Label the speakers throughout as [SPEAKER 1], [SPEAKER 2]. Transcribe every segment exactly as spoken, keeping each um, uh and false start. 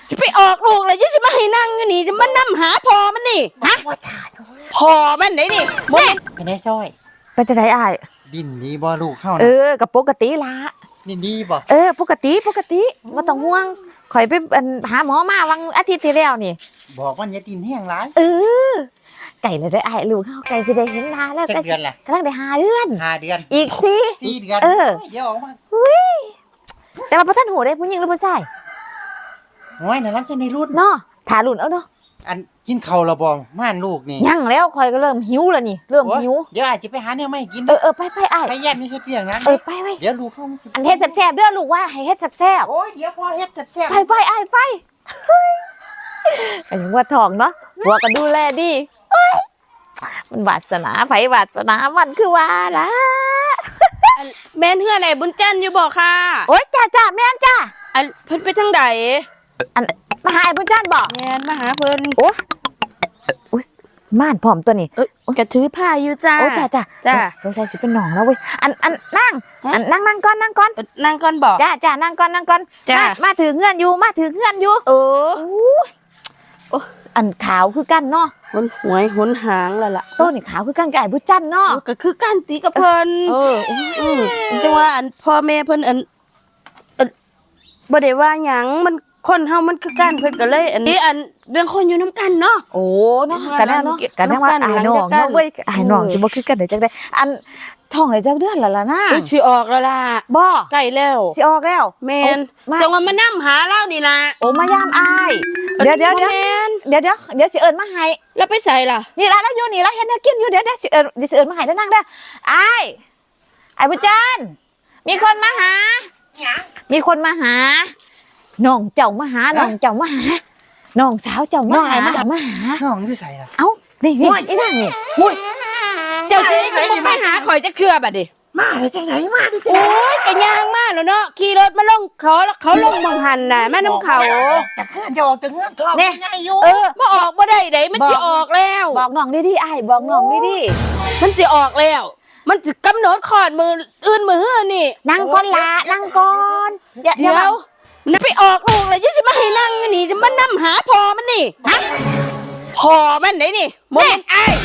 [SPEAKER 1] สิไปออกลูกเลยยังสิมาให้นั่งอยู่นี่จะมานำหาพอมันนี่ฮะ
[SPEAKER 2] ว่าถ่ายด้วย
[SPEAKER 1] พอมันไหนนี่โมเมน
[SPEAKER 2] ไปได้ซ้อย
[SPEAKER 3] ไปจะได้อ้าย
[SPEAKER 2] ดินดีบ่ลูกเข้า
[SPEAKER 3] เอ
[SPEAKER 2] นะ
[SPEAKER 3] อกับปกติละ
[SPEAKER 2] ดินดีบ่
[SPEAKER 3] เออปกติปกติบ่ต้องห่วงข่อยไปอันหาหมอมาวันอาทิตย์ที่แล้วนี่
[SPEAKER 2] บอกว่าอย่าดินแห้งร้าย
[SPEAKER 3] เออไก่เลยได้อ้ายลูกเฮาไก่สิได้เห็นหน้าแล้ว
[SPEAKER 2] จักเดือนล่ะ
[SPEAKER 3] กำลังได้ห้าเดือน
[SPEAKER 2] ห้าเดือน
[SPEAKER 3] อีกสิ
[SPEAKER 2] สี่เดือน
[SPEAKER 3] เออ
[SPEAKER 2] เดี๋ยวออกมา
[SPEAKER 3] แต่ว่าบ่ทันหูได้ผู้หญิงหรือผู้ชาย
[SPEAKER 2] โอ้ยน่ารักจังในรุ่น
[SPEAKER 3] เนาะถารุ่นเอาเนาะ
[SPEAKER 2] อันกินข้าวและบ่ม่านลูกนี่
[SPEAKER 3] ยังแล้วข่อยก็เริ่มหิวแล้วนี่เริ่ม
[SPEAKER 2] โอ้ย
[SPEAKER 3] หิว
[SPEAKER 2] เดี๋ยวอาจจะไปหาแนวไม่กิน
[SPEAKER 3] เออเออไปไปอ้าย
[SPEAKER 2] ไปแย่มีเฮ็ดเรื่องนั้น
[SPEAKER 3] เออไปไป
[SPEAKER 2] เดี๋ยวลูกเข้ามา
[SPEAKER 3] อันเฮ็ดแซ่บๆเด้อลูกว่าให้เฮ็ดแซ่บ
[SPEAKER 2] โอ้ยเดี๋ยวพอเฮ็ดแซ่บ
[SPEAKER 3] ๆไปไปอ้ายไปเฮ้ยอันนี้ว่าทองเนาะหัวก็ดูแลดีเอ้ยมันวาสนาไผวาสนามันคือว่าล่ะ
[SPEAKER 1] แม่นเฮือไหนบุญจันทร์อยู่บอกค่ะ
[SPEAKER 3] โอ๊ยจ้าจ้าแม่นจ้า
[SPEAKER 1] อันเพิ่นไปทางใด
[SPEAKER 3] อันมาหาไอ้บุญจันทร์บอก
[SPEAKER 1] แม่นมาหาเพิ่น
[SPEAKER 3] โอ้อุ๊ยม่านพร้อมตัวนี้
[SPEAKER 1] เอ้ยกระถือผ้าอยู่จ้า
[SPEAKER 3] โอ้จ้าจ้า
[SPEAKER 1] จ้า
[SPEAKER 3] สงสัยสิเป็นหนองแล้วเว้ยอันอันนั่ง
[SPEAKER 1] ฮะ
[SPEAKER 3] อันนั่งนั่งก่อนนั่งก่อน
[SPEAKER 1] เอ้ยนั่งก่อนบอก
[SPEAKER 3] จ้าจ้านั่งก่อนนั่งก่อน
[SPEAKER 1] จ้า
[SPEAKER 3] มามาถือเงื่อนอยู่มาถือเงื่อนอยู่
[SPEAKER 1] เออ
[SPEAKER 3] โอ้อันขาวคือกันเนาะ
[SPEAKER 1] หนหวยหนหางแล้วล่ะ
[SPEAKER 3] ต้นนี่ขาวคือกันไก่บุญจันทร์เนาะ
[SPEAKER 1] ก็คือการตีกับเพิ่น
[SPEAKER 3] เออ
[SPEAKER 1] อืมจังว่าอันพ่อแม่เพิ่นอันอันบ่ได้ว่าหยังมันคนเฮามันคือกันเพิ่นก็เลย อันนี้อันเรื่องคนอยู่นํกันเนาะ
[SPEAKER 3] โอ้เนาะ
[SPEAKER 1] เออ
[SPEAKER 3] กันแน่เนาะกันแน่ว่า
[SPEAKER 1] น้ำกัน
[SPEAKER 3] ไอ้น้อง
[SPEAKER 1] หลังจากกัน
[SPEAKER 3] เนาะเว้ยไอ้น้อง
[SPEAKER 1] เออ
[SPEAKER 3] จะบ่คือกันได้จังได๋อันท้องได้จักเดือนแล้วล่ะนะ
[SPEAKER 1] เอ้ยสิออกแล้วล่ะ
[SPEAKER 3] บ่
[SPEAKER 1] ใกล้แล้ว
[SPEAKER 3] สิออกแล้ว
[SPEAKER 1] แม่น
[SPEAKER 3] มา
[SPEAKER 1] จังว่ามานํหาเรานี่ล่ะ
[SPEAKER 3] โอ้มายามอ้ายเดี๋ยวเดี๋ยวเดี๋ยว
[SPEAKER 1] แม่น
[SPEAKER 3] เดี๋ยวเดี๋ยวเดี๋ยวสิเอิ้นมาให้
[SPEAKER 1] แล้วไปใส่ล่ะ
[SPEAKER 3] นี่ละแล้วอยู่นี่ละเฮ็ดแนวกินอยู่เดี๋ยวเดี๋ยวสิเอิ้นเดี๋ยวสิเอิ้นมาให้เด้อนั่งเด้ออ้ายไอ้บุญจันทร์มีคนมาหา มีคนมาหาน้องเจ้ามาหาน้องเจ้ามาหาน้องสาวเจ้ามาหาเจ้ามาหา
[SPEAKER 2] น้องอยู่ใส่ล่ะ
[SPEAKER 3] เอ้านี่นี่ไอ้นั่งนี่
[SPEAKER 2] อุ้ย
[SPEAKER 1] เจ้าสิก็บ่ไปหาข่อยจะเครือบัดดิ
[SPEAKER 2] มาได้จังไหนมาได้จัง
[SPEAKER 1] โอ้
[SPEAKER 2] ไหน
[SPEAKER 1] ยก็ย่างมาแล้วเนาะขี่รถมาลงเขาแล้วเขาลงเมืองหันน่ะแม่น้ำเขา
[SPEAKER 2] จากเพื่อนจะออกจากเงื่อนทองง่ายอยู่
[SPEAKER 1] เออบ่ออกบ่ได้ไดมันสิออกแล้ว
[SPEAKER 3] บอกน้องดิดิไอ้ายบอกน้องดิดิ
[SPEAKER 1] มันสิออกแล้ว มันสิกำหนดขอดมืออื่นมือหื้อนี่
[SPEAKER 3] นั่งก่อนละนั่งก่อนอย่าอ
[SPEAKER 1] เดี๋
[SPEAKER 3] ย่า
[SPEAKER 1] ยวจะไปออกลูกเลยยังสิมาให้นั่งอยู่นี่จะมานำหาพอมันนี่ฮะพอมันไหนนี่โมเมนไอ้าย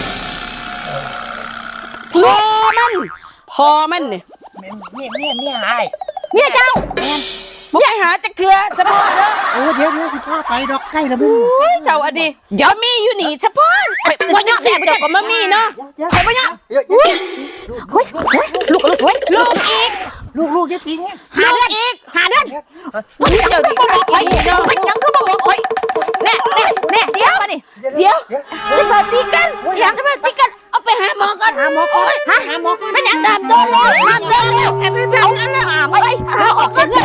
[SPEAKER 1] พอมันพอมันนี่
[SPEAKER 2] เมียเมียเมียเมียไอ้
[SPEAKER 1] เมียเจ้าบ่ไปหาจักเทือเฉพาะเด้อ
[SPEAKER 2] โอ้เดี๋ยวเดี๋ยวสิพาไปดอกใกล้แล้วมึง
[SPEAKER 1] โอ้ยเจ้าอดีเดี๋ยวมีอยู่นี่เฉพาะว่าจังสิเจ้าก็มามีเนาะ
[SPEAKER 2] ไปไปเนี่ย
[SPEAKER 3] เฮ้ยเฮ้ยลูกลูกเฮ้ย
[SPEAKER 1] ลูกอีก
[SPEAKER 2] ลูกลูกจะจริง
[SPEAKER 1] หาเดือนอีกหาเดือน
[SPEAKER 3] เดี๋ยวดิคอยเดี๋ยวเป็นยังคือบอกคอยแน่แน่แน่เดี๋ยวมาดิ
[SPEAKER 1] เดี๋ยวจะมาตีกันเดี๋ยวจะมาตีกันเอาไปหาหมอก่อน
[SPEAKER 2] หาหมอก่อน
[SPEAKER 3] ฮะ
[SPEAKER 2] หาหมอก่อน
[SPEAKER 3] เป็นยังดามโดนแล้วดามโดนแล้วเอาเอากันแล้วไปเอาออกจากเงิ